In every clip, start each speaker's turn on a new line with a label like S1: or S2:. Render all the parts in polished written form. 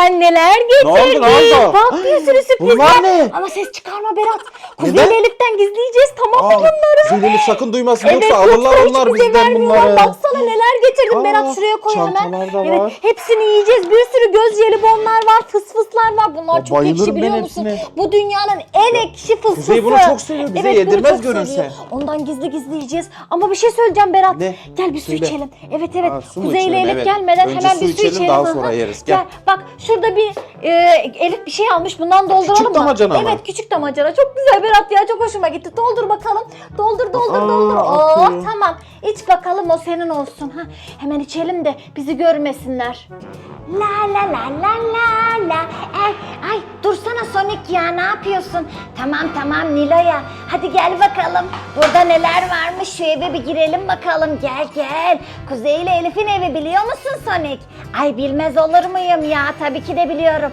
S1: ben neler getirdim.
S2: Ne oldu?
S1: Bak bir sürü sürprizler.
S2: Bunlar ne?
S1: Ama ses çıkarma Berat. Kuzey
S2: Neden?
S1: ile Elif'ten gizleyeceğiz, tamam mı bunları?
S2: Kuzey Elif sakın duymasın,
S1: Evet,
S2: yoksa alırlar
S1: yoksa
S2: onlar
S1: hiç bize
S2: bizden
S1: vermiyorlar.
S2: bunları.
S1: Baksana neler getirdim
S2: Aa,
S1: Berat, şuraya koy hemen.
S2: çantalar da
S1: Evet,
S2: var.
S1: hepsini yiyeceğiz. Bir sürü göz jelibonlar var, fısfıslar var. Bunlar
S2: Ya,
S1: çok ekşi,
S2: bayılırım
S1: biliyor
S2: ben
S1: musun?
S2: hepsine.
S1: Bu dünyanın en ekşi fısfısı.
S2: Kuzey bunu çok seviyor, bize
S1: bunu
S2: yedirmez
S1: çok
S2: görünse.
S1: seviyor. Ondan gizli gizli yiyeceğiz. Ama bir şey söyleyeceğim Berat.
S2: Ne?
S1: Gel bir su
S2: Söyle.
S1: içelim. Evet evet.
S2: Aa, su mu
S1: Kuzey ile
S2: içelim?
S1: Elif
S2: Evet.
S1: gelmeden
S2: Önce
S1: hemen
S2: su
S1: bir su
S2: içelim,
S1: içelim.
S2: daha
S1: Hı hı.
S2: sonra yeriz. Gel.
S1: Bak şurada bir Elif bir şey almış. Bundan dolduralım
S2: Küçük
S1: mı?
S2: damacana mı?
S1: Evet, küçük damacana. Çok güzel Berat ya. Çok hoşuma gitti. Doldur bakalım. Doldur.
S2: akıyor.
S1: Tamam. İç bakalım, o senin olsun. Ha, hemen içelim de bizi görmesinler. La la la la la la. Ay dursana Sonic ya, ne yapıyorsun? Tamam Nilo'ya. Hadi gel bakalım. Burada neler varmış, şu eve bir girelim bakalım. Gel. Kuzey ile Elif'in evi, biliyor musun Sonic? Ay bilmez olur muyum ya? Tabii ki de biliyorum.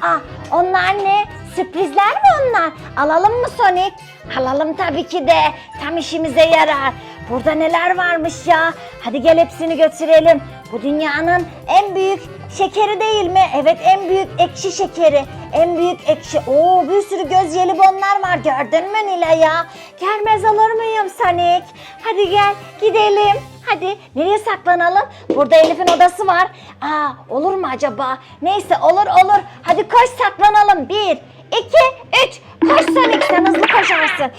S1: Onlar ne? Sürprizler mi onlar? Alalım mı Sonic? Alalım tabii ki de. Tam işimize yarar. Burada neler varmış ya? Hadi gel hepsini götürelim. Bu dünyanın en büyük şekeri değil mi? Evet, en büyük ekşi şekeri. En büyük ekşi. Oo, bir sürü göz jelibonlar var. Gördün mü Nila ya? Gelmez olur muyum Sonic? Hadi gel gidelim. Hadi nereye saklanalım? Burada Elif'in odası var. Olur mu acaba? Neyse, olur. Hadi koş saklanalım. 1, 2, 3. Koş Sonic, sen hızlı koşarsın.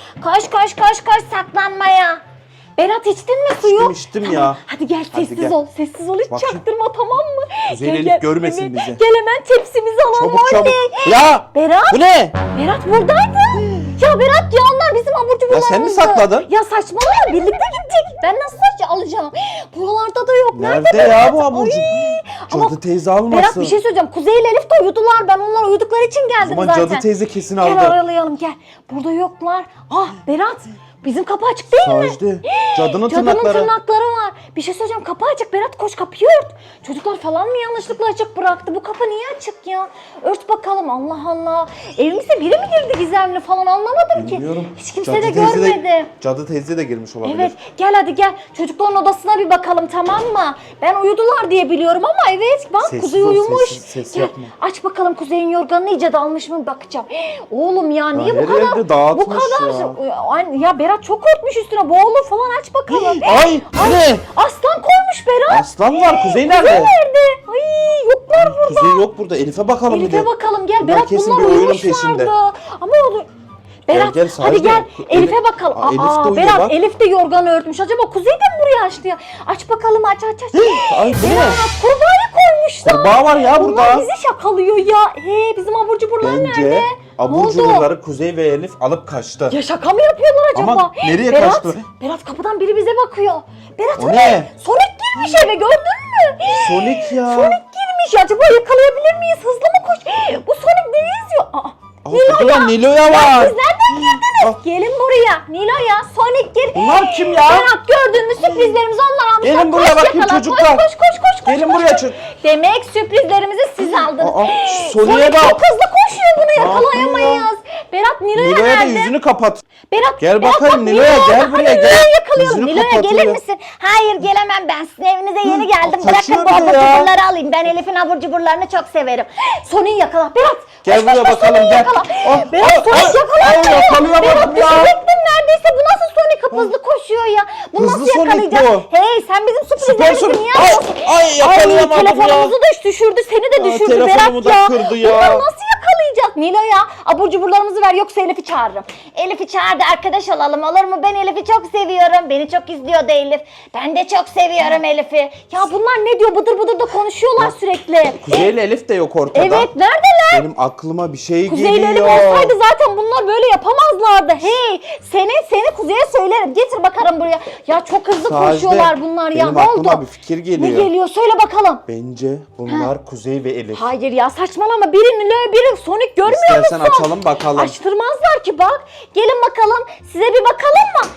S1: Koş saklanmaya. Berat, içtin mi suyu?
S2: İçtim
S1: Tamam.
S2: ya.
S1: Hadi gel,
S2: Hadi
S1: sessiz
S2: gel.
S1: ol. Sessiz ol, hiç
S2: Bakayım.
S1: çaktırma, tamam mı?
S2: Kuzey Elif görmesin
S1: evet.
S2: bizi.
S1: Gel hemen tepsimizi alalım.
S2: Çabuk.
S1: Oley.
S2: Ya
S1: Berat.
S2: bu ne?
S1: Berat buradaydı. Ya Berat ya, onlar bizim abur cuburlarımızdı.
S2: Ya sen mi sakladın?
S1: Ya saçmalama, birlikte gidecek. Ben nasıl alacağım? Buralarda da yok.
S2: Nerede
S1: Berat?
S2: ya bu abur
S1: Ay.
S2: cubur?
S1: Ama
S2: Cadı teyze almasın.
S1: Berat, bir şey söyleyeceğim. Kuzey ile Elif de uyudular. Ben onlar uyudukları için
S2: O
S1: geldim
S2: zaman
S1: zaten.
S2: cadı teyze kesin
S1: Gel
S2: aldı.
S1: aralayalım, gel. Burada yoklar. Berat, bizim kapı açık değil mi?
S2: Sacide, cadının
S1: Cadının
S2: tırnakları.
S1: tırnakları var. Bir şey söyleyeceğim, kapı açık. Berat koş, kapıyı ört. Çocuklar falan mı yanlışlıkla açık bıraktı? Bu kapı niye açık ya? Ört bakalım, Allah Allah. Evimize biri mi girdi gizemli falan, anlamadım ki.
S2: Bilmiyorum.
S1: Hiç kimse
S2: Cadı
S1: de
S2: teyze
S1: görmedi.
S2: Cadı teyze de girmiş olabilir.
S1: Evet, gel hadi gel. Çocukların odasına bir bakalım, tamam mı? Ben uyudular diye biliyorum ama evet, bak
S2: Sessiz
S1: Kuzey
S2: ol,
S1: uyumuş.
S2: ses
S1: Gel,
S2: yapma.
S1: aç bakalım Kuzey'in yorganını iyice dalmış mı, bakacağım. Oğlum ya, niye bu
S2: her
S1: kadar?
S2: yerde dağıtmış
S1: Bu kadar.
S2: ya.
S1: Ya Berat çok örtmüş üstüne, boğulur falan, aç bakalım.
S2: Ay, bu ne?
S1: Aslan koymuş Berat.
S2: Aslan var. Kuzey
S1: Kuzey
S2: nerede?
S1: nerede? Ay, yoklar burada.
S2: Kuzey yok burada. Elif'e bakalım bir de.
S1: Elif'e bakalım, gel.
S2: Bunlar
S1: Berat,
S2: kesin
S1: bunlar
S2: bir oyunun
S1: uyumuşlardı.
S2: peşinde.
S1: Ama olur. Berat,
S2: gel,
S1: hadi
S2: Sacide.
S1: gel. Elif'e bakalım.
S2: Elif de uyuyor
S1: Berat,
S2: bak.
S1: Elif de yorganı örtmüş. Acaba Kuzey de mi buraya açtı ya? Aç bakalım, aç.
S2: Ay, bu ne?
S1: Berat, kurbağa koymuşlar.
S2: Kurbağa var ya
S1: Bunlar
S2: burada.
S1: bizi şakalıyor ya. Bizim abur cuburlar nerede?
S2: Bence
S1: Ne
S2: abur
S1: oldu?
S2: cuburları Kuzey ve Elif alıp kaçtı.
S1: Ya şaka mı yapıyorlar acaba?
S2: Ama nereye
S1: Berat,
S2: kaçtı?
S1: Berat, kapıdan biri bize bakıyor. Berat,
S2: O
S1: o
S2: ne?
S1: Sonic girmiş eve, gördün mü?
S2: Sonic ya.
S1: Sonic girmiş. Acaba yakalayabilir miyiz? Hızlı mı koş? Bu Sonic neyi izliyor?
S2: Burada Nilo'ya var.
S1: Siz nereden girdiniz? Gelin buraya. Nilo'ya, Sonic gir.
S2: Bunlar kim ya?
S1: Berat, gördün mü, sürprizlerimizi onlar almışlar.
S2: Gelin buraya
S1: Koş,
S2: bakayım
S1: yakala.
S2: çocuklar.
S1: Koş.
S2: Gelin buraya çocuk.
S1: Demek sürprizlerimizi siz aldınız.
S2: Sonic'e
S1: Sonic
S2: bak.
S1: çok hızlı koşuyor, bunu
S2: Ne yapıyor
S1: yakalayamayız. Berat, Nilo'ya
S2: Nilo'ya da
S1: nerede?
S2: yüzünü kapat.
S1: Berat,
S2: Gel
S1: Berat,
S2: bakayım
S1: bak,
S2: Nilo'ya, gel
S1: hadi
S2: buraya, gel.
S1: Nilo'ya yakalayalım.
S2: Yüzünü
S1: Nilo'ya
S2: kapatıyor.
S1: gelir misin? Hayır, gelemem ben. Sizin evinize yeni geldim.
S2: kaçıyor
S1: Bırakın bu
S2: bir de
S1: abur
S2: ya.
S1: cuburları alayım. Ben Elif'in abur cuburlarını çok severim. Sonic'i yakala. Berat,
S2: Gel
S1: koş,
S2: buraya
S1: koş,
S2: bakalım,
S1: Sonic'i
S2: gel.
S1: yakala.
S2: Oh,
S1: Berat,
S2: oh,
S1: Sonic
S2: oh,
S1: yakalanmıyor.
S2: oh, yakalayamadım
S1: Berat,
S2: ya.
S1: düşecektin neredeyse. Bu nasıl Sonic? Hızlı koşuyor ya. Bunu
S2: Hızlı
S1: nasıl
S2: Sonic
S1: yakalayacağız?
S2: bu.
S1: Hey, sen bizim sürprizlerimizi
S2: Sonic.
S1: niye
S2: Ay,
S1: alıyorsun?
S2: ay, yakalayamadım ya.
S1: Telefonumuzu da düşürdü. Seni de düşürdü
S2: telefonumu
S1: Berat
S2: da
S1: ya.
S2: kırdı ya.
S1: Bunları nasıl yakalayacağız? Nilo'ya abur cuburlarımızı ver, yoksa Elif'i çağırırım. Elif'i çağır da arkadaş olalım, olur mu? Ben Elif'i çok seviyorum. Beni çok izliyordu Elif. Ben de çok seviyorum Elif'i. Ya bunlar ne diyor? Bıdır bıdır da konuşuyorlar sürekli.
S2: Kuzey ile Elif de yok ortada.
S1: Evet, neredeler?
S2: Benim aklıma bir şey
S1: Kuzey ile Elif
S2: geliyor.
S1: olsaydı zaten bunlar böyle yapamazlardı. Hey, seni Kuzey'e söylerim. Getir bakalım buraya. Ya çok hızlı
S2: Sacide,
S1: koşuyorlar bunlar ya.
S2: benim
S1: Ne
S2: aklıma
S1: oldu?
S2: bir fikir
S1: Ne
S2: geliyor.
S1: geliyor? Söyle bakalım.
S2: Bence bunlar Kuzey ve Elif.
S1: Hayır ya, saçmalama. Biri Nilo, biri Sonic, görmüyor
S2: İstersen
S1: musun?
S2: açalım bakalım.
S1: Açtırmazlar ki, bak. Gelin bakalım. Size bir bakalım mı?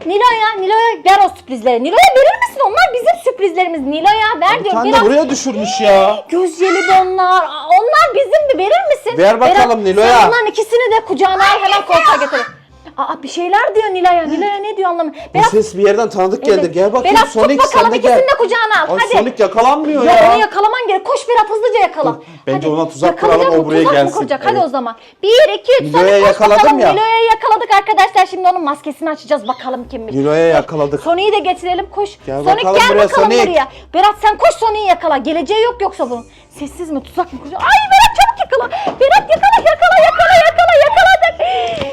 S1: Nilo'ya ver o sürprizleri. Nilo'ya verir misin? Onlar bizim sürprizlerimiz. Nilo'ya ver
S2: Bir
S1: diyorum.
S2: tane
S1: Biraz
S2: de buraya düşürmüş ya.
S1: göz jelibonlar. Onlar bizim de, verir misin?
S2: Ver bakalım
S1: Berat,
S2: Nilo'ya.
S1: Sen onların ikisini de kucağına al, hemen koltuğa getir. Aa bir şeyler diyor Nilay'a. Nilay'a ne diyor anlamıyorum.
S2: Bu ses bir yerden tanıdık geldi.
S1: Evet.
S2: Gel bakayım
S1: Berat
S2: Sonic
S1: tut
S2: sen
S1: bakalım
S2: de
S1: ikisini
S2: gel.
S1: de kucağına al.
S2: Ay
S1: Hadi.
S2: Sonic yakalanmıyor
S1: Ya
S2: ya.
S1: onu yakalaman gerek. Koş Berat hızlıca yakala.
S2: Bence ona tuzak
S1: Yakalayacak
S2: kuralım, o
S1: mı?
S2: buraya
S1: Tuzak mı
S2: gelsin.
S1: kuracak? Hadi
S2: Evet.
S1: o zaman. 1, 2, 3
S2: Nilo'ya
S1: Sonic koş
S2: yakaladım
S1: bakalım.
S2: ya.
S1: Nilo'ya yakaladık arkadaşlar. Şimdi onun maskesini açacağız bakalım kimmiş.
S2: Nilo'ya yakaladık.
S1: Sonic'i de getirelim koş.
S2: Gel
S1: Sonic
S2: bakalım
S1: gel
S2: buraya,
S1: bakalım
S2: Sonic.
S1: buraya. Berat sen koş Sonic'i yakala. Geleceği yok yoksa bunun. Sessiz mi tuzak mı kuracak? Ay Berat çabuk yakala. Berat yakaladık.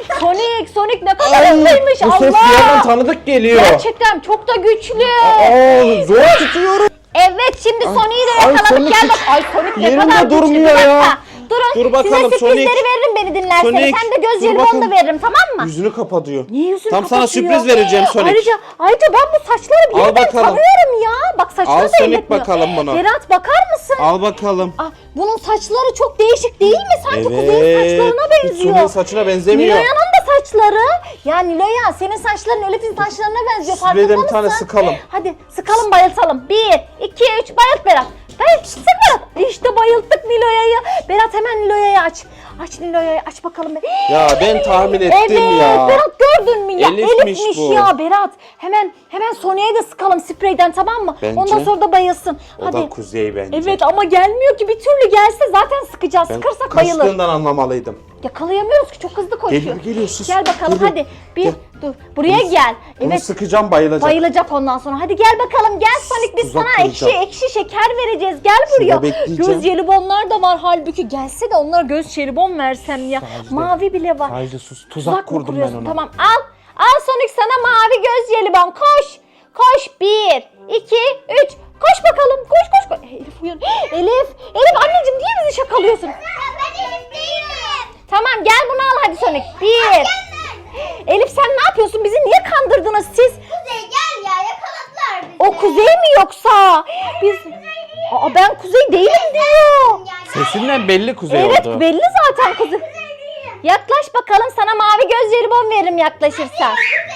S1: Sonic ne kadar
S2: Ay,
S1: hızlıymış
S2: bu ses bir yerden
S1: Allah.
S2: tanıdık geliyor.
S1: Gerçekten çok da güçlü.
S2: Aa, zor tutuyorum.
S1: Evet şimdi Sonic'i de
S2: ay,
S1: yakaladık.
S2: Sonic
S1: Gel bak.
S2: hiç
S1: Ay Sonic ne
S2: yerinde
S1: kadar güçlü.
S2: durmuyor
S1: Bir dakika.
S2: ya.
S1: Durun.
S2: Dur bakalım,
S1: Size sürprizleri
S2: Sonic.
S1: veririm beni dinlerseniz.
S2: Sonic,
S1: Sen de göz
S2: dur
S1: jelibonu
S2: bakalım.
S1: da veririm tamam mı?
S2: Yüzünü kapatıyor.
S1: Niye yüzünü
S2: Tam sana
S1: kapatıyor?
S2: sürpriz vereceğim Sonic.
S1: Ayrıca ben bu saçları bir
S2: Al
S1: yerden
S2: bakalım.
S1: tanıyorum ya. Bak saçları
S2: Al
S1: da
S2: Sonic
S1: elletmiyor.
S2: bakalım bunu.
S1: Berat bakar mısın?
S2: Al bakalım.
S1: Aa, bunun saçları çok değişik değil mi? Sanki Kuzey'in saçlarına
S2: Hiç
S1: benziyor.
S2: Sonic'in saçına benzemiyor.
S1: Niloya'nın da saçları. Ya Niloya senin saçların Elif'in saçlarına benziyor.
S2: Spreyden
S1: Farkında
S2: bir
S1: mısın?
S2: tane sıkalım.
S1: Hadi sıkalım bayıltalım. 1, 2, 3 bayılt Berat. Bayılt sık Berat. İşte bayılttık Niloya'yı. Berat hemen Niloya'yı aç. Aç Niloya'yı aç bakalım.
S2: Ya ben tahmin ettim
S1: Evet
S2: ya.
S1: Berat gördün mü ya?
S2: Elif'miş bu.
S1: ya Berat. Hemen Sonya'ya da sıkalım spreyden tamam mı?
S2: Bence.
S1: Ondan sonra da bayılsın.
S2: O
S1: Hadi.
S2: da Kuzey bence.
S1: Evet ama gelmiyor ki bir türlü gelse zaten sıkacağız.
S2: Ben
S1: Sıkarsak bayılır.
S2: kaçtığından anlamalıydım.
S1: Yakalayamıyoruz ki çok hızlı koşuyor.
S2: Geliyor sus.
S1: Gel bakalım
S2: Geliyor.
S1: hadi. Bir
S2: Gel.
S1: dur. Buraya gel.
S2: Bunu
S1: Evet.
S2: sıkacağım, bayılacak.
S1: Bayılacak ondan sonra. Hadi gel bakalım. Gel Sonic biz
S2: Tuzak
S1: sana
S2: kuracağım.
S1: ekşi şeker vereceğiz. Gel buraya.
S2: bekleyeceğim.
S1: Göz jelibonlar da var halbuki. Gelse de onlara göz jelibon versem ya.
S2: Sadece-
S1: Mavi bile var.
S2: Sadece sus. Tuzak
S1: mı
S2: kurdum ben
S1: kuruyorsun?
S2: ona.
S1: Tamam al. Al Sonic sana mavi göz jelibon. Koş. Koş. 1, 2, 3. Koş bakalım. Koş. Elif uyan. Elif anneciğim niye bizi şakalıyorsun?
S3: Ben Elif değilim.
S1: Tamam gel bunu al hadi Sonic. 1. Elif sen ne yapıyorsun? Bizi niye kandırdınız siz?
S3: Kuzey gel ya yakaladılar bizi.
S1: O Kuzey mi yoksa? Biz... Aa ben Kuzey değilim diyor.
S2: Sesinden belli Kuzey
S1: Evet
S2: oldu.
S1: belli zaten Kuzey. Yaklaş bakalım sana mavi göz jelibon veririm yaklaşırsan.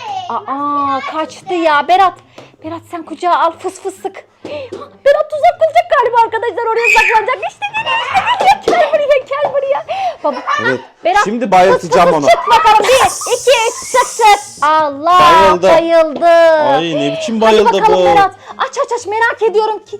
S1: Aa kaçtı ya Berat. Berat sen kucağa al fıs fıs sık. Berat tuzak kuracak galiba arkadaşlar oraya saklanacak. İşte geliyor. Gel buraya. Baba.
S2: Evet.
S1: Berat,
S2: Şimdi bayıltacağım
S1: fıs
S2: onu.
S1: fıs sık bakalım. 1, 2, 3 sık. Allah
S2: Bayıldı.
S1: bayıldı.
S2: Ay ne biçim bayıldı
S1: Hadi bakalım
S2: bu.
S1: Berat. Aç merak ediyorum ki.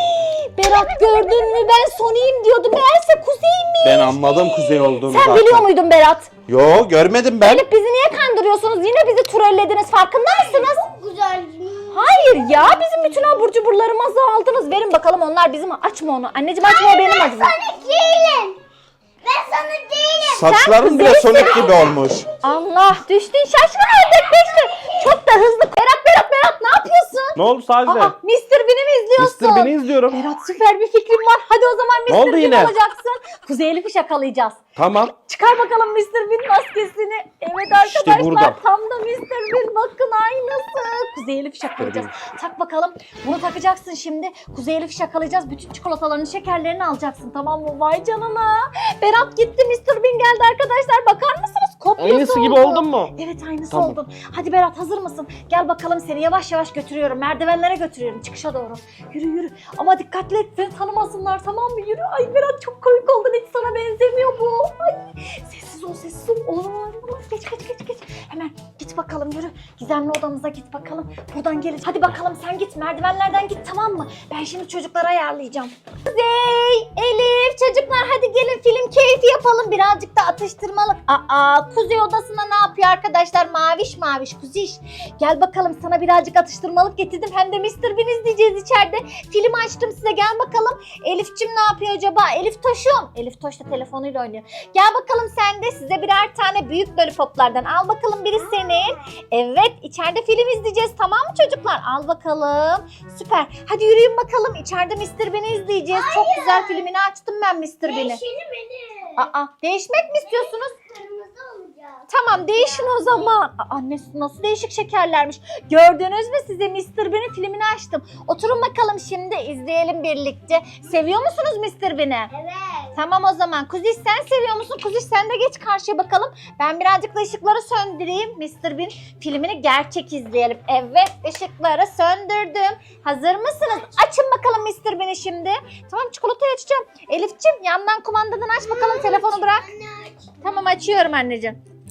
S1: Berat gördün mü ben Sonic'im diyordum. Meğerse Kuzey'miş.
S2: Ben anladım Kuzey olduğunu
S1: Sen
S2: zaten.
S1: biliyor muydun Berat?
S2: Yo görmedim ben.
S1: Elif bizi niye kandırıyorsunuz? Yine bizi trollediniz. Farkında mısınız?
S3: Güzel.
S1: Hayır ya bizim bütün abur cuburlarımızı aldınız. Verin bakalım onlar bizim. Açma onu. Anneciğim açma o benim acım.
S3: Sana değilim. Ben sana değilim.
S2: Saçların bile
S1: Kuzey'sin.
S2: Sonic gibi olmuş.
S1: Allah düştün şaşkın ördek düştün. Çok da hızlı. Berat ne yapıyorsun?
S2: Ne oldu sadece?
S1: Aa Mr. Bean'i mi izliyorsun?
S2: Mr. Bean'i izliyorum.
S1: Berat süper bir fikrim var. Hadi o zaman
S2: Ne oldu
S1: Mr. Bean
S2: yine?
S1: olacaksın. Kuzey Elif'i şakalayacağız.
S2: Tamam.
S1: Çıkar bakalım Mr. Bean maskesini. Evet
S2: İşte
S1: arkadaşlar
S2: burada.
S1: tam da Mr. Bean bakın aynısı. Kuzey Elif'i şakalayacağız. Tak bakalım. Bunu takacaksın şimdi. Kuzey Elif'i şakalayacağız. Bütün çikolatalarını, şekerlerini alacaksın tamam mı? Vay canına. Berat gitti Mr. Bean geldi arkadaşlar. Bakar mısınız? Kopyası
S2: Aynısı gibi
S1: oldu.
S2: oldun mu?
S1: Evet aynısı
S2: Tamam.
S1: oldun. Hadi Berat hazır mısın? Gel bakalım seni yavaş yavaş götürüyorum. Merdivenlere götürüyorum çıkışa doğru. Yürü. Ama dikkatli et seni tanımasınlar tamam mı? Yürü. Ay Berat çok komik oldun. Hiç sana benzemiyor bu. Ay sessiz ol. Olmaz. Geç. Hemen git bakalım yürü. Gizemli odamıza git bakalım. Buradan geleceğiz. Hadi bakalım sen git merdivenlerden git tamam mı? Ben şimdi çocuklara ayarlayacağım. Kuzey, Elif çocuklar hadi gelin film keyfi yapalım. Birazcık da atıştırmalık. Kuzey odasında ne yapıyor arkadaşlar? Maviş Kuziş. Gel bakalım sana birazcık atıştırmalık getirdim. Hem de Mr. Bean izleyeceğiz içeride. Film açtım size gel bakalım. Elif'cim ne yapıyor acaba? Elif Toş'um. Elif Toş da telefonuyla oynuyor. Gel bakalım sen de size birer tane büyük lollipoplardan. Al bakalım biri senin. Evet içeride film izleyeceğiz tamam mı çocuklar? Al bakalım. Süper. Hadi yürüyün bakalım. İçeride Mr. Bean'i izleyeceğiz. Çok güzel filmini açtım ben Mr. Bean'i.
S3: Değişini benim.
S1: Değişmek mi istiyorsunuz?
S3: Kırmızı olacak.
S1: Tamam değişin o zaman. Annesi nasıl değişik şekerlermiş. Gördünüz mü size Mr. Bean'in filmini açtım. Oturun bakalım şimdi izleyelim birlikte. Seviyor musunuz Mr. Bean'i?
S3: Evet.
S1: Tamam o zaman. Kuziş sen seviyor musun? Kuziş sen de geç karşıya bakalım. Ben birazcık da ışıkları söndüreyim. Mr. Bean filmini gerçek izleyelim. Evet ışıkları söndürdüm. Hazır mısınız? Açın bakalım Mr. Bean'i şimdi. Tamam çikolatayı açacağım. Elif'ciğim yandan kumandadan aç bakalım telefonu bırak.
S3: Anne aç.
S1: Tamam açıyorum anneciğim.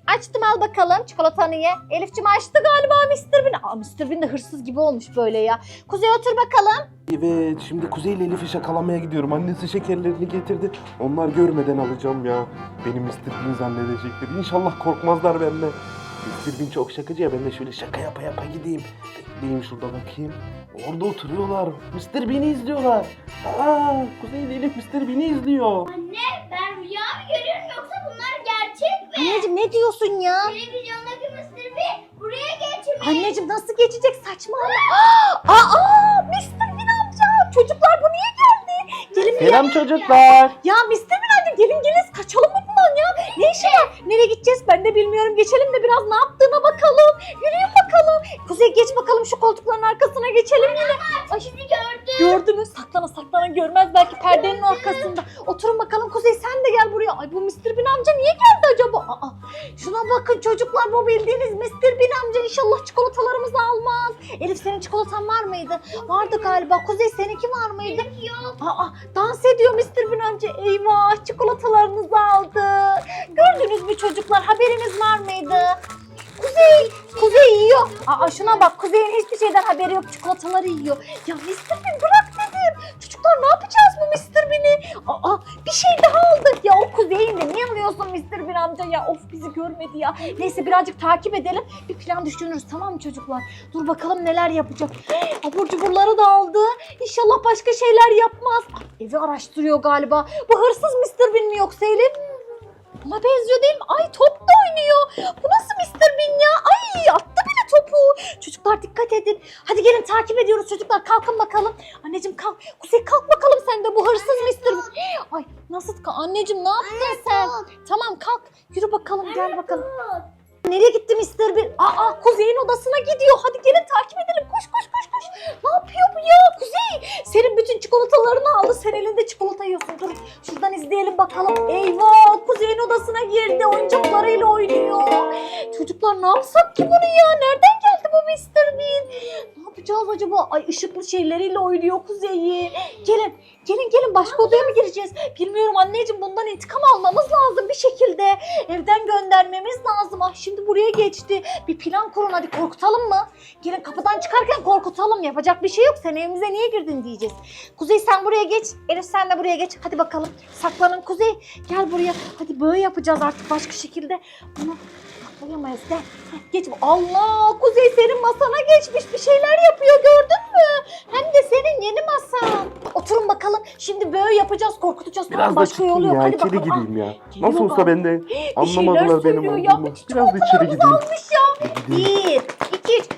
S1: Açtım, al bakalım çikolatanı ye. Elif'cim açtı galiba Mr. Bean. Aa, Mr. Bean de hırsız gibi olmuş böyle ya. Kuzey otur bakalım.
S4: Evet, şimdi Kuzey ile Elif'i şakalamaya gidiyorum. Annesi şekerlerini getirdi. Onlar görmeden alacağım ya. Beni Mr. Bean zannedecekler. İnşallah korkmazlar benden. Mr. Bean çok şakacı ya. Ben de şöyle şaka yapa yapa gideyim. Bekleyeyim şurada bakayım. Orada oturuyorlar. Mr. Bean'i izliyorlar. Aa, Kuzey ile Elif Mr. Bean'i izliyor.
S3: Anne ben rüya mı görüyorum yoksa bunlar gerçek mi?
S1: Anneciğim ne diyorsun ya?
S3: Televizyondaki Mr. Bean buraya geçmiş.
S1: Anneciğim nasıl geçecek, saçmalama. Aa, Mr. Bean amca. Çocuklar bu niye geldi? Gelin bir
S4: Selam çocuklar.
S1: Ya Mr. Bean amca gelin kaçalım mı bundan ya? Ne işi var? Nereye gideceğiz ben de bilmiyorum. Geçelim de biraz ne yaptığına bakalım. Yürüyün bakalım. Kuzey geç bakalım, şu koltukların arkasına geçelim yine. Ay,
S3: Sizi gördüm.
S1: gördü mü? Saklana saklana, görmez belki perdenin arkasında. Oturun bakalım Kuzey, sen de gel buraya. Ay bu Mr. Bean amca niye geldi acaba? Aa, şuna bakın çocuklar, bu bildiğiniz Mr. Bean amca inşallah çikolatalarımızı almaz. Elif senin çikolatan var mıydı? Vardı galiba. Kuzey seninki var mıydı?
S3: Yok.
S1: Aa, dans ediyor Mr. Bean amca. Eyvah, çikolatalarınızı aldı. Gördünüz mü çocuklar, haberiniz var mıydı? Kuzey yiyor. Aa, şuna bak, Kuzey'in hiçbir şeyden haberi yok, çikolataları yiyor. Ya Mr. Bean bırak dedim. Çocuklar ne yapacağız bu Mr. Bean'i? Aa, bir şey daha aldık. Ya o Kuzey'in de niye alıyorsun Mr. Bean amca ya? Of, bizi görmedi ya. Neyse birazcık takip edelim. Bir plan düşünürüz, tamam mı çocuklar? Dur bakalım neler yapacak. Abur cuburları da aldı. İnşallah başka şeyler yapmaz. Evi araştırıyor galiba. Bu hırsız Mr. Bean mi yoksa Elif? Buna benziyor değil mi? Ay top da oynuyor. Bu nasıl Mr. Bean ya? Ay attı bile topu. Çocuklar dikkat edin. Hadi gelin takip ediyoruz çocuklar. Kalkın bakalım. Anneciğim kalk. Kuzey kalk bakalım sen de, bu hırsız Mr. Bean. Ay nasıl? Anneciğim ne yaptın sen? Tamam kalk. Yürü bakalım, gel bakalım. Nereye gitti Mr. Bean? Aa, Kuzey'in odasına gidiyor. Hadi gelin takip edelim. Koş. Ne yapıyor bu ya? Kuzey senin bütün çikolatalarını aldı. Sen elinde çikolata yiyorsun. Dur şuradan izleyelim bakalım. Eyvah, Kuzey'in odasına girdi. Oyuncaklarıyla oynuyor. Çocuklar ne yapsak ki bunu ya? Nereden geldi bu Mr. Bean? Ne yapacağız acaba? Ay ışıklı şeyleriyle oynuyor Kuzey'i. Gelin başka odaya mı gireceğiz? Bilmiyorum anneciğim, bundan intikam almamız lazım bir şekilde. Evden göndermemiz lazım. Ah şimdi buraya geçti. Bir plan kurun hadi, korkutalım mı? Gelin kapıdan çıkarken korkutalım. Yapacak bir şey yok. Sen evimize niye girdin diyeceğiz. Kuzey sen buraya geç. Elif sen de buraya geç. Hadi bakalım. Saklanın Kuzey. Gel buraya. Hadi böyle yapacağız artık, başka şekilde. Bunu yapamayız. Gel. Geç. Allah, Kuzey senin masana geçmiş. Bir şeyler yapıyor, gördün mü? Hem de senin yeni masan. Oturun bakalım. Şimdi böyle yapacağız, korkutacağız.
S4: Biraz da
S1: başka yol
S4: çıkayım
S1: yok.
S4: ya.
S1: Hadi
S4: İçeri
S1: bakalım.
S4: gireyim ya.
S1: geliyor
S4: Nasıl olsa
S1: galiba.
S4: ben de
S1: Bir şeyler
S4: anlamadılar benim
S1: söylüyor ya.
S4: olduğumu.
S1: Bütün
S4: Biraz da içeri gideyim.
S1: almış ya.
S4: Gideyim.
S1: 1, 2, 3.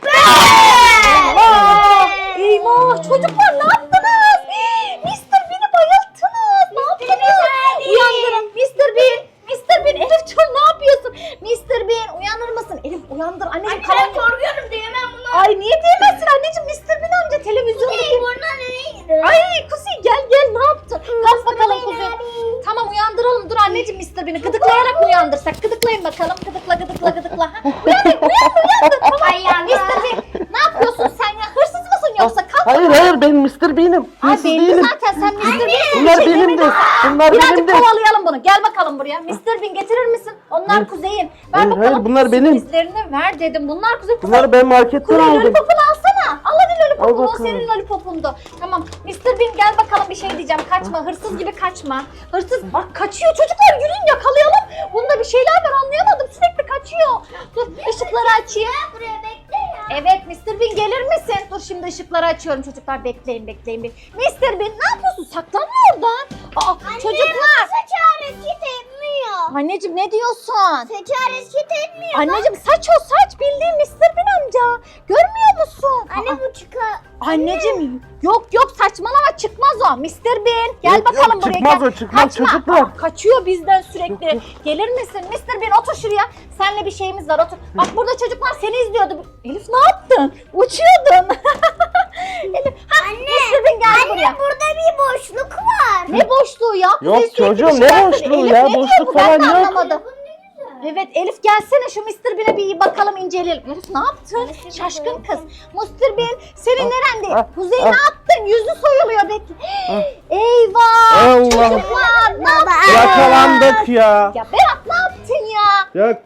S1: Eyvah çocuklar ne yaptınız? Mr. Bean'i bayılttınız. Ne yaptınız? Uyandırın Mr. Bean. Mr. Bean, Elif'ciğim ne yapıyorsun? Mr. Bean uyanır mısın? Elif uyandır anneciğim.
S3: Anne ben korkuyorum diyemem bunu.
S1: Ay niye diyemezsin anneciğim? Mr. Bean amca televizyondaki.
S3: Burnuna nereye gidiyor?
S1: Ay Kuzey gel ne yaptın? Kalk bakalım Kuzey. Tamam uyandıralım, dur anneciğim Mr. Bean'i gıdıklayarak mı uyandırsak? Gıdıklayın bakalım. Gıdıkla. Ha? Uyandır. Tamam.
S3: Ay yandı.
S1: Mr. Bean ne yapıyorsun sen ya? Hırsız mısın yoksa? Kalk.
S4: Hayır ben Mr. Bean'im.
S1: Ay
S4: Hırsız
S1: belli
S4: değilim.
S1: zaten sen Mr. Bean'sin.
S4: Bunlar
S1: Bir şey
S4: benim de.
S1: demedim.
S4: Bunlar
S1: Birazcık
S4: benim de.
S1: kovalayalım bunu. Gel bakalım buraya. Mr. Bean getirir misin? Onlar Kuzey'in. Ver
S4: Hayır,
S1: bakalım.
S4: hayır, bunlar benim.
S1: Sürprizlerini ver dedim. Bunlar Kuzey.
S4: Bunları ben marketten
S1: Kuzey
S4: aldım.
S1: lollipopunu alsana. Al hadi lollipopunu.
S4: Al
S1: O
S4: bakalım.
S1: senin lollipopundu. Tamam. Mr. Bean gel bakalım, bir şey diyeceğim. Kaçma. Hırsız gibi kaçma. Hırsız bak kaçıyor. Çocuklar yürüyün yakalayalım. Bunda bir şeyler var, anlayamadım. Sürekli kaçıyor. Dur ışıkları açayım.
S3: Buraya bekle ya.
S1: Evet Mr. Bean gelir misin? Dur şimdi ışıkları açıyorum çocuklar. Bekleyin bir. Mr. Bean ne yapıyorsun? Saklanma oradan. Aa, çocuklar.
S3: Saç hareket etmiyor.
S1: Anneciğim ne diyorsun?
S3: Saç hareket etmiyor.
S1: Anneciğim saç o saç, bildiğin Mr. Bean amca. Görmüyor musun?
S3: Anne
S1: Aa,
S3: bu çıkar.
S1: anneciğim yok saçmalama, çıkmaz o. Mr. Bean gel
S4: Yok,
S1: bakalım
S4: yok,
S1: buraya.
S4: çıkmaz
S1: gel.
S4: o, çıkmaz
S1: Kaçma.
S4: çocuklar.
S1: Aa, kaçıyor bizden sürekli.
S4: Yok.
S1: Gelir misin? Mr. Bean otur şuraya. Seninle bir şeyimiz var, otur. Bak burada çocuklar seni izliyordu. Elif ne yaptın? Uçuyordun. Elif, Mr. Bean gel buraya.
S3: Anne burada bir boşluk var.
S1: Ne boşluğu ya?
S4: Yok
S1: Kuzey sürekli
S4: çocuğum,
S1: bir
S4: ne
S1: şeyler
S4: boşluğu
S1: söylüyor.
S4: ya?
S1: Elif ne diyor
S4: Boşluk
S1: bu? Ben
S4: falan
S1: de
S4: yok.
S1: anlamadım. Evet Elif gelsene şu Mr. Bean'e bir bakalım, inceleyelim. Elif ne yaptın? Şaşkın kız. Mr. Bean senin nerende? Kuzey ne yaptın? Yüzü soyuluyor bekle. Eyvah
S4: Allah.
S1: çocuklar ne yaptın?
S2: Yakalandık ya.
S1: Ya Berat ne yaptın ya?
S4: Ya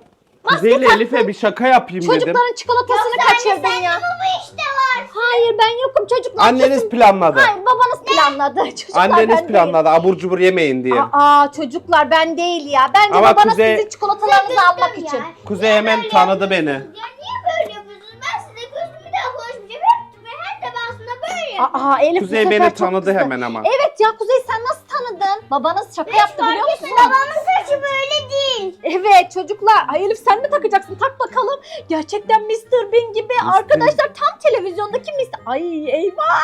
S4: Kuzey ile Elif'e bir şaka yapayım dedim.
S1: Çocukların çikolatasını kaçırdın ya.
S3: Bu işte var.
S1: Hayır ben yokum çocuklar.
S4: Anneniz planladı.
S1: Hayır babanız planladı. Çocuklar
S4: Anneniz
S1: ben
S4: planladı abur cubur yemeyin diye.
S1: değilim. Aa çocuklar ben değil ya. Bence
S4: Ama
S1: babanız
S4: Kuzey-
S1: sizin çikolatalarınızı almak için.
S4: Kuzey hemen tanıdı beni.
S3: Ya niye böyle yapıyorsunuz? Ben size gözümü de konuşmayacağım. Her defasında böyle yapıyorum.
S1: Aa Elif bu
S4: Kuzey
S1: sefer
S4: beni
S1: çok
S4: tanıdı
S1: kızdı.
S4: hemen ama.
S1: Evet ya Kuzey sen nasıl tanıdın? Babanız şaka yaptı biliyor musun?
S3: Babamın saçı böyle değil.
S1: Evet çocuklar. Ay Elif sen mi takacaksın? Tak bakalım. Gerçekten Mr. Bean gibi. Arkadaşlar tam televizyondaki Mr. Ay eyvah.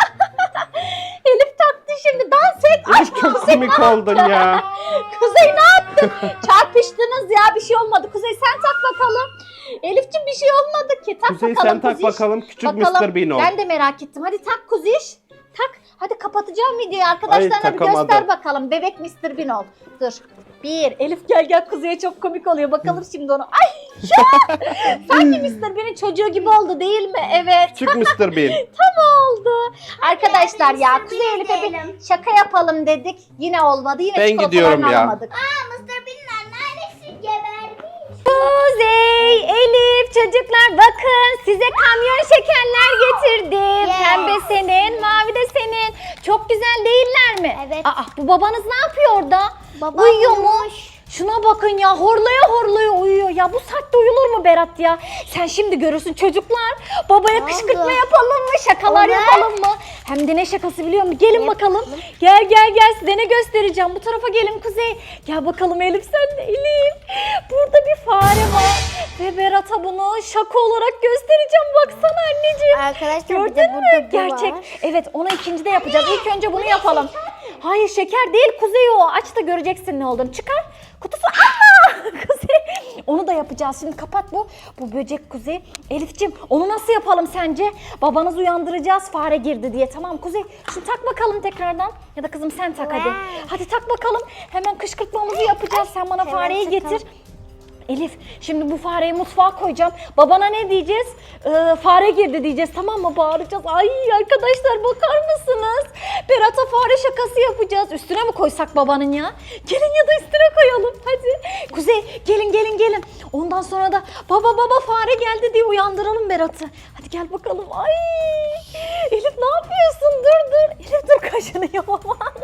S1: Elif taktı şimdi. Dans et. Ay
S4: Elif çok komik oldun ya.
S1: Kuzey ne yaptın? Çarpıştınız ya bir şey olmadı. Kuzey sen tak bakalım. Elif'ciğim bir şey olmadı ki. Tak
S4: Kuzey
S1: bakalım
S4: sen tak
S1: Kuziş.
S4: bakalım küçük
S1: Bakalım.
S4: Mr. Bean ol.
S1: Ben de merak ettim. Hadi tak Kuziş. Tak. Hadi kapatacağım videoyu. Arkadaşlarına bir
S4: takamadı.
S1: göster bakalım. Bebek Mr. Bean ol. Dur. Bir. Elif gel Kuzey'e çok komik oluyor. Bakalım şimdi onu. Ay ya. Sanki Mr. Bean'in çocuğu gibi oldu değil mi? Evet.
S4: Küçük Mr. Bean.
S1: Tam oldu. Arkadaşlar ya
S3: Mr.
S1: Kuzey
S3: Bean
S1: Elif'e bir
S3: diyelim.
S1: şaka yapalım dedik. Yine olmadı. Yine
S4: Ben
S1: çikolatalarını
S4: gidiyorum ya.
S1: alamadık.
S3: Mr. Bean'in annesi gebermiş.
S1: Kuzey, Elif, çocuklar bakın size kamyon şekerler getirdim.
S3: Yes.
S1: Pembe senin, mavi de senin. Çok güzel değiller mi?
S3: Evet.
S1: Aa, bu babanız ne yapıyor orada?
S3: Baba
S1: Uyuyor mu?
S3: uyumuş.
S1: Şuna bakın ya horlaya uyuyor. Ya bu saatte uyulur mu Berat ya? Sen şimdi görürsün çocuklar. Babaya
S3: Ne
S1: kışkırtma
S3: oldu?
S1: yapalım mı? Şakalar
S3: Olur.
S1: yapalım mı? Hem de ne şakası biliyor musun? Gelin bakalım. Gel size ne göstereceğim. Bu tarafa gelin Kuzey. Gel bakalım Elif sen de Elif. Burada bir fare var. Ve Berat'a bunu şaka olarak göstereceğim. Baksana anneciğim.
S3: Arkadaşlar bir
S1: Gördün
S3: de
S1: mü?
S3: burada bu
S1: Gerçek.
S3: var.
S1: Evet onu ikincide yapacağız. İlk önce bunu yapalım. Hayır şeker değil Kuzey o. Aç da göreceksin ne olduğunu. Çıkar. Kutusu. Aa! Kuzey. Onu da yapacağız. Şimdi kapat bu. Bu böcek Kuzey. Elif'ciğim onu nasıl yapalım sence? Babanızı uyandıracağız fare girdi diye. Tamam Kuzey. Şimdi tak bakalım tekrardan. Ya da kızım sen tak hadi. Hadi tak bakalım. Hemen kışkırtmamızı yapacağız. Sen bana
S3: Hemen
S1: fareyi
S3: takalım.
S1: getir. Elif şimdi bu fareyi mutfağa koyacağım. Babana ne diyeceğiz? Fare girdi diyeceğiz tamam mı? Bağıracağız. Ay arkadaşlar bakar mısınız? Berat'a fare şakası yapacağız. Üstüne mi koysak babanın ya? Gelin ya da üstüne koyalım hadi. Kuzey gelin. Ondan sonra da baba fare geldi diye uyandıralım Berat'ı. Hadi gel bakalım. Ay Elif ne yapıyorsun? Dur. Elif dur kaşınıyor baban.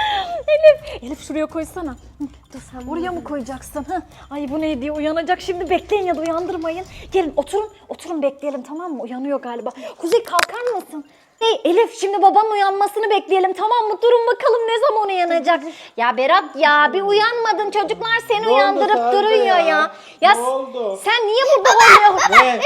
S1: Elif şuraya koysana. Hı, dur oraya mı koyacaksın? Hı. Ay bu ne diye uyanacak şimdi bekleyin ya da uyandırmayın. Gelin oturun bekleyelim tamam mı? Uyanıyor galiba. Kuzey kalkar mısın? Hey Elif şimdi babanın uyanmasını bekleyelim tamam mı? Durun bakalım ne zaman uyanacak? Ya Berat ya bir uyanmadın çocuklar seni uyandırıp
S2: Sare
S1: duruyor
S2: ya?
S1: ya.
S2: Ne oldu?
S1: Sen niye burada oluyorsun?
S2: Ne?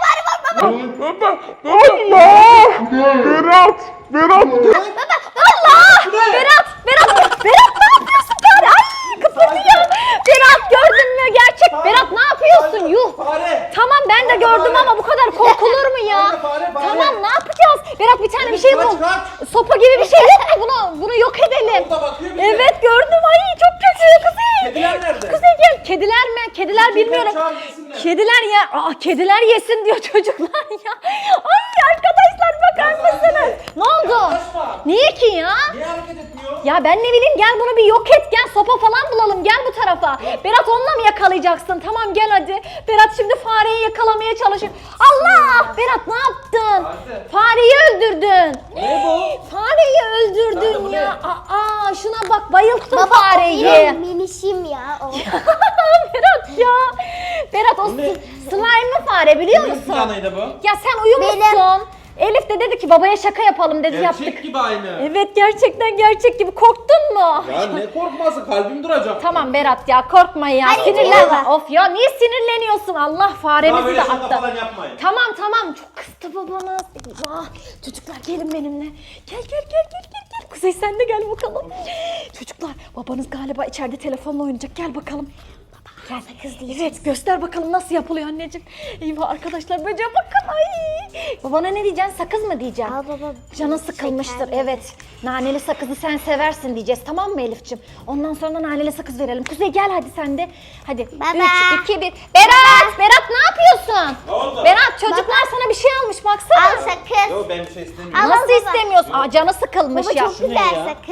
S1: Berat ne yapıyorsun bari? Ay kıpırdıyor. Berat gördün mü gerçek? Berat ne yapıyorsun? Yuh.
S2: Fare.
S1: Tamam ben de gördüm ama bu kadar korkulur mu ya?
S2: Fare.
S1: Tamam ne yapacağız? Berat bir tane bir şey bul.
S2: Kaç.
S1: Sopa gibi bir şey yok mu? Bunu yok edelim.
S2: Orada bakıyor bize.
S1: Evet gördüm. Ay çok kötü Kuzey.
S2: Kediler nerede?
S1: Kuzey gel. Kediler mi? Kediler bilmiyorum.
S2: çağır, yesinler.
S1: Kediler ya. Kediler yesin diyor çocuklar ya. Ay arkadaşlar bakar mısınız? Ne oldu?
S2: Yaklaşma.
S1: Niye ki ya?
S2: Niye hareket etmiyor?
S1: Ya ben ne bileyim gel bunu bir yok et gel sopa falan bulalım gel bu tarafa. Berat onunla mı yakalayacaksın? Tamam gel hadi. Berat şimdi fareyi yakalamaya çalışıyor. Allah! Berat ne yaptın?
S2: Hadi.
S1: Fareyi öldürdün.
S2: Ne bu?
S1: Fareyi
S2: Nerede,
S1: öldürdün
S2: bu
S1: ya.
S2: ne?
S1: Şuna bak bayılttın
S3: Benim
S1: fareyi.
S3: minişim ya o.
S1: Berat ya. Berat o
S2: Bu ne?
S1: slime'lı fare biliyor
S2: Kimin
S1: musun?
S2: planıydı bu?
S1: Ya sen uyumuşsun. Elif de dedi ki babaya şaka yapalım dedi yaptık.
S2: Gerçek gibi aynı.
S1: Evet gerçekten gerçek gibi korktun mu?
S2: Ya ne korkması, kalbim duracak.
S1: Tamam Berat ya korkma ya
S3: Hadi
S1: sinirlenme.
S3: gidelim.
S1: Of ya niye sinirleniyorsun Allah
S2: Daha
S1: faremizi
S2: böyle
S1: de
S2: şaka
S1: attı.
S2: falan yapmayın.
S1: Tamam çok kızdı babanız. Eyvah. Çocuklar gelin benimle. Gel. Kuzey sen de gel bakalım. Çocuklar babanız galiba içeride telefonla oynayacak gel bakalım. Gel kız değil. Evet göster bakalım nasıl yapılıyor anneciğim. Eyvah arkadaşlar böceğe bakın ay. Babana ne diyeceksin sakız mı diyeceksin?
S3: Al baba.
S1: Canın sıkılmıştır
S3: şekerli.
S1: evet. Naneli sakızı sen seversin diyeceğiz tamam mı Elif'ciğim? Ondan sonra da naneli sakız verelim. Kuzey gel hadi sen de. Hadi
S3: Baba.
S1: 3, 2, 1. Berat ne yapıyorsun?
S2: Ne oldu?
S1: Berat çocuklar sana bir şey almış baksana.
S3: Al sakız.
S2: Yo ben bir şey istemiyorum.
S3: Al
S1: Nasıl
S3: baba.
S1: istemiyorsun? Canı sıkılmış
S3: Baba
S1: ya.
S3: çok güzel
S2: ya?
S3: sakız.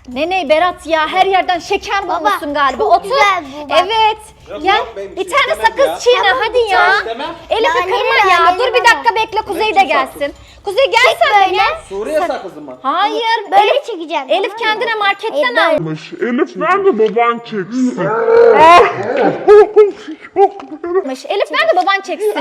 S1: Ne Berat ya, her yerden şeker bulmuşsun galiba.
S3: çok
S1: Otur.
S3: güzel bu bak.
S1: Evet.
S2: Yok,
S1: Gel.
S2: yok, ben
S1: Bir
S2: şey
S1: tane
S2: istemem
S1: sakız
S2: ya.
S1: çiğne hadi ya.
S2: İstemem.
S1: Elif'i
S3: Naneli,
S1: kırma ya.
S3: naneli
S1: Dur bir
S3: bana.
S1: dakika bekle, Kuzey de
S2: Sakız.
S1: gelsin. Kuzey gel sen de gel.
S2: Suriye sakızı mı?
S1: Hayır.
S3: Böyle
S1: Elif,
S3: çekeceğim.
S1: Elif
S3: tamam mı?
S1: kendine marketten
S3: Hayır, böyle.
S1: almış.
S5: Elif nerede baban çeksin?
S1: Elif nerede baban çeksin?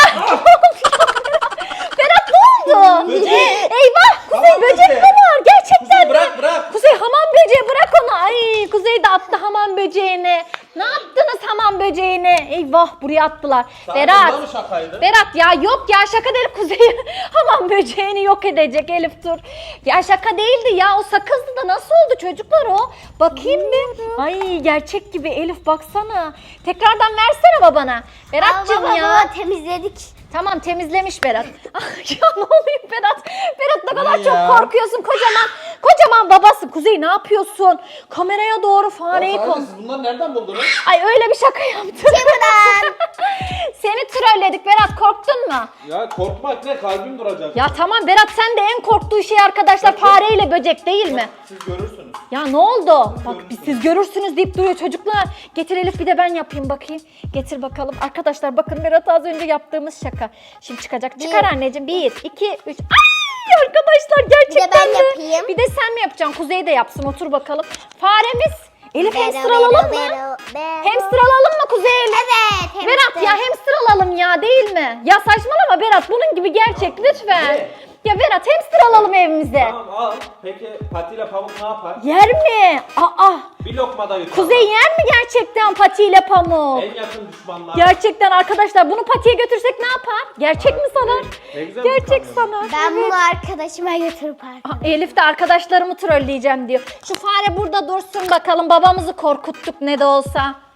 S1: Berat ne oldu?
S2: Böcek.
S1: Eyvah Kuzey
S2: Hamam
S1: böcek
S2: böceği.
S1: mi var? Gerçekten
S2: Kuzey
S1: mi?
S2: bırak.
S1: Kuzey hamam böceği bırak onu. Ay Kuzey de attı hamam böceğini. Ne yaptınız hamam böceğini? Eyvah buraya attılar.
S2: Bunda mı şakaydı?
S1: Berat ya yok ya şaka değil Kuzey. Hamam böceğini yok edecek Elif dur. Ya şaka değildi ya o sakızdı da nasıl oldu çocuklar o? Bakayım bir. Ay gerçek gibi Elif baksana. Tekrardan versene babana. Berat'cığım
S3: Baba,
S1: ya.
S3: baba, temizledik.
S1: Tamam temizlemiş Berat. ya ne oluyor Berat? Berat ne kadar
S2: Ne
S1: çok
S2: ya?
S1: korkuyorsun kocaman babası. Kuzey ne yapıyorsun? Kameraya doğru fareyi
S2: Ya
S1: kon.
S2: siz bunları nereden buldunuz?
S1: Ay öyle bir şaka yaptım. Seni trolledik Berat korktun mu?
S2: Ya korkmak ne? Kalbim duracak.
S1: Ya tamam Berat sen de en korktuğu şey arkadaşlar fareyle böcek değil mi?
S2: Siz görürsünüz.
S1: Ya ne oldu? Bak siz görürsünüz deyip duruyor çocuklar. Getir Elif bir de ben yapayım bakayım. Getir bakalım. Arkadaşlar bakın Berat az önce yaptığımız şaka. Şimdi çıkacak. Çıkar anneciğim. 1, 2, 3. Ay arkadaşlar gerçekten
S3: ben
S1: mi?
S3: yapayım.
S1: Bir de sen mi yapacaksın? Kuzey de yapsın. Otur bakalım. Faremiz. Elif hamster alalım mı? Hamster alalım mı Kuzey Elif?
S3: Evet.
S1: Berat ya hamster alalım ya değil mi? Ya saçmalama Berat bunun gibi gerçek lütfen.
S2: Ne?
S1: Ya Berat hamster alalım evimize.
S2: Tamam al. Peki patiyle pamuk ne yapar?
S1: Yer mi? Aa.
S2: Bir lokmada yutar.
S1: Kuzey yer mi gerçekten patiyle pamuk?
S2: En yakın düşmanlar.
S1: Gerçekten arkadaşlar bunu patiye götürsek ne yapar? Gerçek mi sanar?
S2: Ne güzel
S1: Gerçek
S2: bir
S1: sanar.
S3: Ben
S1: Evet.
S3: bunu arkadaşıma götürüp
S1: Aa, Elif de arkadaşlarımı trolleyeceğim diyor. Şu fare burada dursun bakalım babamızı korkuttuk ne de olsa.